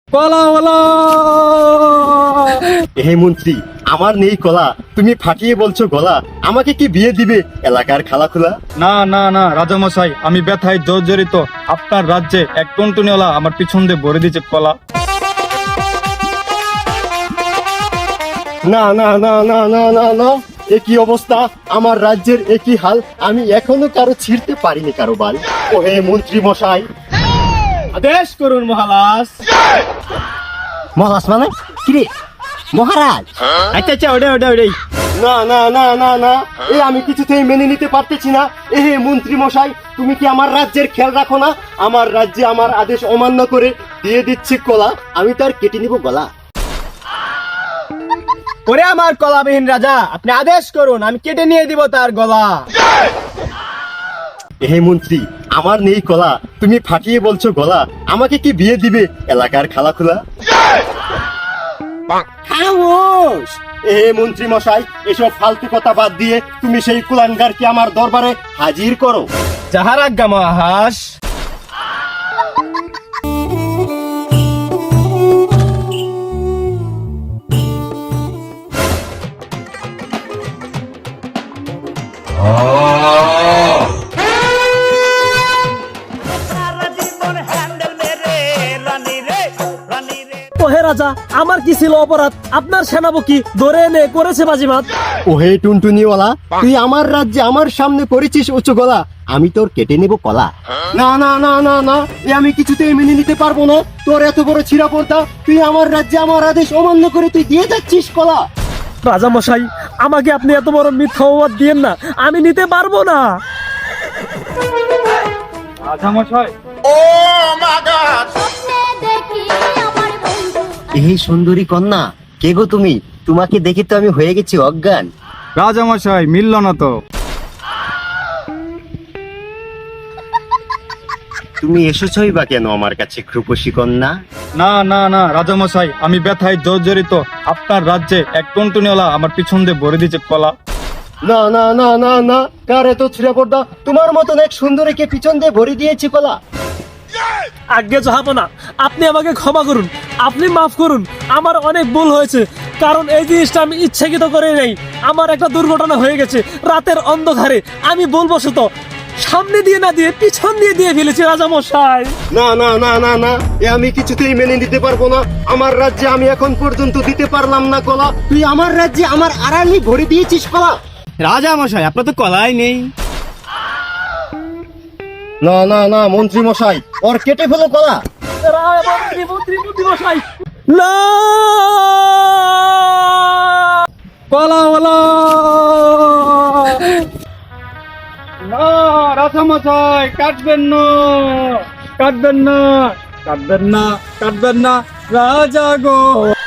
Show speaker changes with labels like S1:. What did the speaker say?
S1: কলাওয়ালা।
S2: হে মন্ত্রী, আমার নেই কলা, তুমি ফাটিয়ে বলছো গলা, আমাকে কি বিয়ে দিবে এলাকার খালা খোলা?
S1: না না না রাজামশাই, আমি ব্যথায় জর্জরিত। আপনার রাজ্যে এক টুনটুনিওয়ালা আমার পিছন দিয়ে ভরে দিয়েছে কলা।
S2: না না না না না না না, একই অবস্থা, আমার রাজ্যের একই হাল, আমি এখনো কারো ছিঁড়তে পারিনি কারো বাল। ও হে মন্ত্রী মশাই,
S1: আদেশ করুন মহারাজ।
S2: মহারাজ মানে কিরে মহারাজ?
S1: আচ্ছা আচ্ছা, ওটাই।
S2: না না না না না, আমি কিছুতেই মেনে নিতে পারতেছি না। হে মন্ত্রী মশাই, তুমি কি আমার রাজ্যের খেয়াল রাখো না? আমার রাজ্যে আমার আদেশ অমান্য করে দিয়ে দিচ্ছি কলা, আমি তার কেটে নিব গলা।
S1: ওরে আমার কলাবিহীন রাজা, আপনি আদেশ করুন, আমি কেটে নিয়ে দিব তার গলা।
S2: হে মন্ত্রী, আমার নেই কলা, তুমি ফাটিয়ে বলছো গলা, আমাকে কি বিয়ে দিবে এলাকার খালা খোলা? খামোশ! হে মন্ত্রী মশাই, এসব ফালতু কথা বাদ দিয়ে তুমি সেই কুলাঙ্গারকে আমার দরবারে হাজির করো।
S1: যাহার আজ্ঞা মহারাজ।
S3: ওহে রাজা, আমার কি ছিল অপরাধ? আপনার সেনাপতি ধরে এনে করেছে বাজিমাত।
S2: ও হে টুনটুনিওয়ালা, তুই আমার রাজ্যে আমার সামনে করেছিস উঁচু গলা, আমি তোর কেটে নেব কলা। না না না না না, আমি কিছুতেই মেনে নিতে পারবো না। তোর এত বড় ছিঁড়া পড়তা, তুই আমার রাজ্যে আমার আদেশ অমান্য করে তুই দিয়ে যাচ্ছিস কলা।
S3: রাজা মশাই, আমাকে আপনি এত বড় মিথ্যা অপবাদ দিয়েন না, আমি নিতে পারবো না।
S1: রাজামশাই,
S2: এই সুন্দরী কন্যা, কে গো তুমি? তোমাকে দেখে তো আমি হয়ে গেছি অজ্ঞান।
S1: রাজামশাই মিলল না তো।
S2: তুমি এসেছই বা কেন আমার কাছে রূপসী কন্যা?
S1: না না না রাজামশাই, আমি ব্যথায় জর্জরিত। আপনার রাজ্যে এক টুনটুনিওয়ালা আমার পিছন দিয়ে ভরে দিয়েছে কলা।
S2: না না না না না, কার এত ছিঁড়া পড়তা? তোমার মতন এক সুন্দরীকে পিছন দিয়ে ভরে দিয়েছি কলা।
S3: আজ্ঞে যাবো না, আপনি আমাকে ক্ষমা করুন, আপনি মাফ করুন, আমার অনেক ভুল হয়েছে। কারণ এই জিনিসটা আমি ইচ্ছাকৃত করে নেই, আমার একটা দুর্ঘটনা হয়ে গেছে রাতের অন্ধকারে। আমি বলবশত সামনে দিয়ে না দিয়ে পিছন দিয়ে ফেলেছি রাজা মশাই।
S2: না না না না না, আমি কিছুতেই মেনে নিতে পারবো না। আমার রাজ্যে আমি এখন পর্যন্ত দিতে পারলাম না কলা, তুই আমার রাজ্যে আমার আড়ালি ভরে দিয়েছিস কলা।
S1: রাজামশাই, আপনার তো কলাই নেই।
S2: না না না মন্ত্রী মশাই, ওর কেটে ফেলো কলা।
S3: মন্ত্রী মশাই, না!
S1: কলাওয়ালা। না রাজামশাই, কাটবেন না, কাটবেন না, কাটবেন না, কাটবেন না রাজা গো।